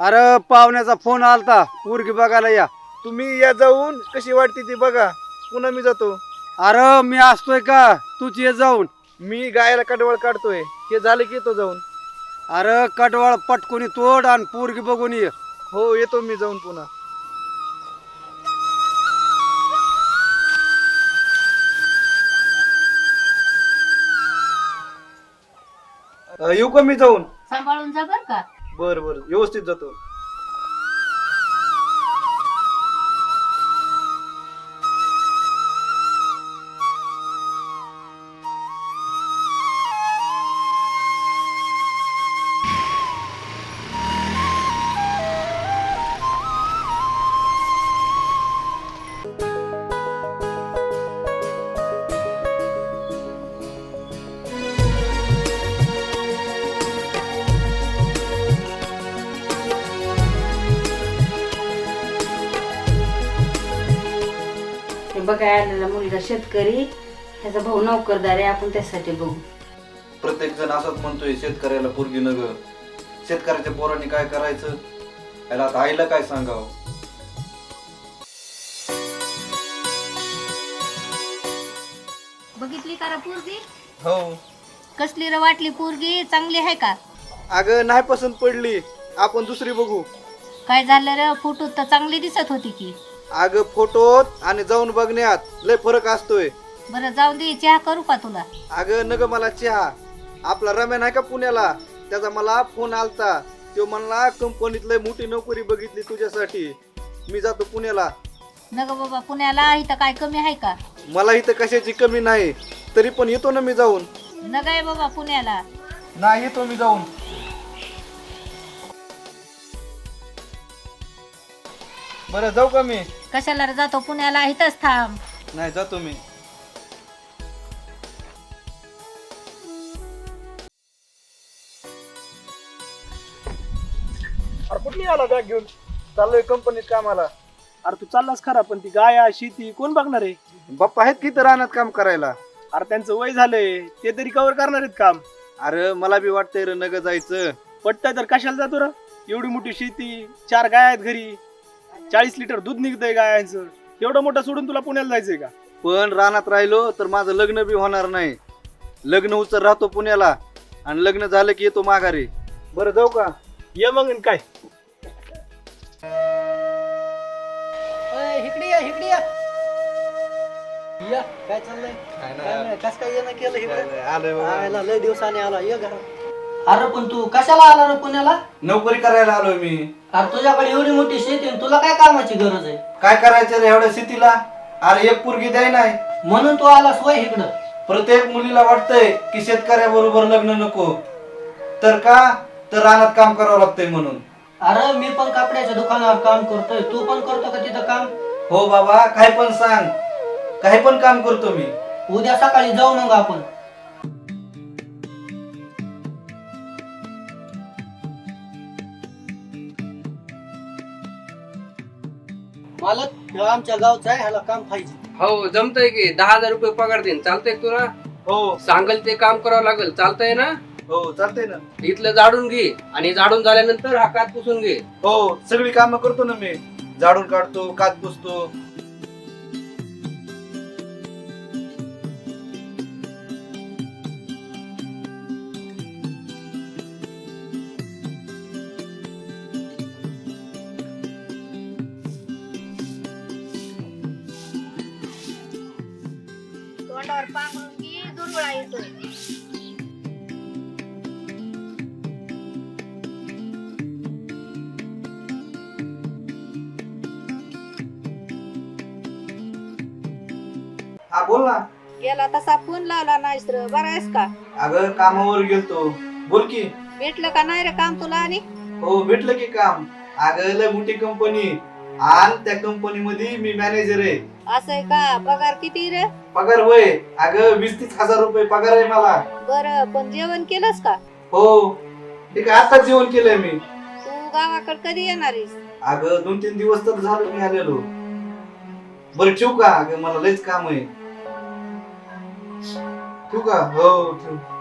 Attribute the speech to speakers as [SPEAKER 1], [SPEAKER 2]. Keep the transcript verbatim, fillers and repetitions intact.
[SPEAKER 1] अरे पाहुण्याचा फोन आलता पोरगी बघायला या.
[SPEAKER 2] तुम्ही या जाऊन कशी वाटते ती बघा, पुन्हा मी जातो.
[SPEAKER 1] अरे मी असतोय का, तूच ये जाऊन.
[SPEAKER 2] मी गायला कडवळ काढतोय, हे झालं की येतो जाऊन.
[SPEAKER 1] अरे कडवळ पटकुनी तोड आणि पोरगी बघून ये.
[SPEAKER 2] हो येतो मी जाऊन पुन्हा. अ, येऊ का मी जाऊन?
[SPEAKER 3] सांभाळून जा बर का.
[SPEAKER 2] बर बर व्यवस्थित जातो.
[SPEAKER 3] बघा आलेला मुलगा शेतकरी, ह्याचा भाऊ नोकरदार आहे, आपण त्यासाठी बघू.
[SPEAKER 4] प्रत्येक जण असंच म्हणतोय शेतकऱ्याला पोरगी नग. शेतकऱ्याच्या पोरांनी काय करायचं, याला आता आईला काय सांगावं.
[SPEAKER 3] बघितली का रे पोरगी?
[SPEAKER 2] हो.
[SPEAKER 3] कसली रे वाटली पोरगी? चांगली आहे का?
[SPEAKER 2] अगं नाही पसंत पडली, आपण दुसरी बघू.
[SPEAKER 3] काय झालं रे, फोटो तर चांगली दिसत होती की.
[SPEAKER 2] अगं फोटोत आणि जाऊन बघण्यात लय फरक असतोय.
[SPEAKER 3] बरं जाऊ दे, चहा करू का तुला?
[SPEAKER 2] अगं नग मला चहा. आपला रम्या नाही का पुण्याला, त्याचा मला फोन आलता. तो म्हणला कंपनीत लय मोठी नोकरी बघितली तुझ्यासाठी, मी जातो पुण्याला.
[SPEAKER 3] नग बाबा पुण्याला, इथं काय कमी आहे का?
[SPEAKER 2] मला इथं कशाची कमी नाही, तरी पण येतो ना मी जाऊन.
[SPEAKER 3] नग आहे बाबा पुण्याला.
[SPEAKER 2] नाही येतो मी जाऊन. बरं जाऊ का मी?
[SPEAKER 3] कशाला रे जातो पुण्याला, इथंच थांब.
[SPEAKER 2] नाही जातो मी.
[SPEAKER 5] अरे कुठली आला बॅग घेऊन?
[SPEAKER 2] चाललोय कंपनीत कामाला.
[SPEAKER 5] अरे तू चाललास खरा, पण ती गाया शेती कोण बघणार आहे?
[SPEAKER 2] बाप्पा आहेत की तर रानात काम करायला.
[SPEAKER 5] अरे त्यांचं वय झालंय, ते तरी कव्हर करणार आहेत काम.
[SPEAKER 2] अरे मला बी वाटतंय रे नग जायचं.
[SPEAKER 5] पटतंय तर कशाला जातो रे? एवढी मोठी शेती, चार गाय आहेत घरी, चाळीस लिटर दूध निघतंय गायांचं. एवढं मोठं सोडून तुला पुण्याला जायचंय का?
[SPEAKER 2] पण रानात राहिलो तर माझं लग्न बी होणार नाही. लग्न उचल राहतो पुण्याला आणि लग्न झालं की येतो माघारी. बरं जाऊ का?
[SPEAKER 5] ये मग आणि काय.
[SPEAKER 6] इकडे या इकडे या या काय चाललंय? काय नाही, कस काय येणं केलं इकडे? आयला लय दिवसाने आला, ये घरात. अरे पण तू कशाला आला रे पुण्याला?
[SPEAKER 4] नोकरी करायला आलोय मी.
[SPEAKER 6] अरे तुझ्याकडे एवढी मोठी शेती आणि तुला काय कामाची गरज आहे?
[SPEAKER 4] काय करायचं रे एवढ्या शेतीला? अरे एक पोरगी द्याय नाही.
[SPEAKER 6] म्हणून तू आलास वय इकडं?
[SPEAKER 4] प्रत्येक मुलीला वाटतंय की शेतकऱ्याबरोबर लग्न नको, तर का तर रानात काम करावं लागतंय म्हणून.
[SPEAKER 6] अरे मी पण कपड्याच्या दुकानावर काम करतोय, तू पण करतो का तिथं काम?
[SPEAKER 4] हो बाबा, काय पण सांग, काही पण काम करतो मी.
[SPEAKER 6] उद्या सकाळी जाऊ मग आपण. मालक, ह्यो आमच्या गावचा आहे, ह्याला काम पाहिजे.
[SPEAKER 7] हो जमतंय की, दहा हजार रुपये पगार देईन. चालतंय का तुला?
[SPEAKER 2] हो
[SPEAKER 7] सांगल ते काम करावं लागेल. चालतंय ना?
[SPEAKER 2] हो चालतंय ना.
[SPEAKER 7] इथलं झाडून घे आणि झाडून झाल्यानंतर हा कात पुसून घे.
[SPEAKER 2] हो सगळी कामं करतो ना मी. झाडून काढतो, कात पुसतो.
[SPEAKER 3] तोंडावर पांघरून घे, दुर्गळा येतोय.
[SPEAKER 4] हा बोल ना.
[SPEAKER 3] गेला तसा फोन लावला नाहीस रे, बरा आहेस का?
[SPEAKER 4] अगं कामावर गेलतो. बोल की.
[SPEAKER 3] भेटलं का नाही रे काम तुला? आणि
[SPEAKER 4] हो भेटलं की काम. अगं लय मोठी कंपनी आणि त्या कंपनी मध्ये मी मॅनेजर आहे.
[SPEAKER 3] असं आहे का? पगार किती रे?
[SPEAKER 4] पगार होय, अगं वीस तीस हजार रुपये पगार आहे मला.
[SPEAKER 3] बरं, पण जेवण केलंस का?
[SPEAKER 4] हो ठीक आहे, आता जेवण केलंय मी.
[SPEAKER 3] तू गावाकडे कधी येणार आहेस?
[SPEAKER 4] अगं दोन तीन दिवस तर झालं मी आलेलो. बरं ठेवू का? अगं मला लयच काम आहे. ठेवू का? हो ठेव.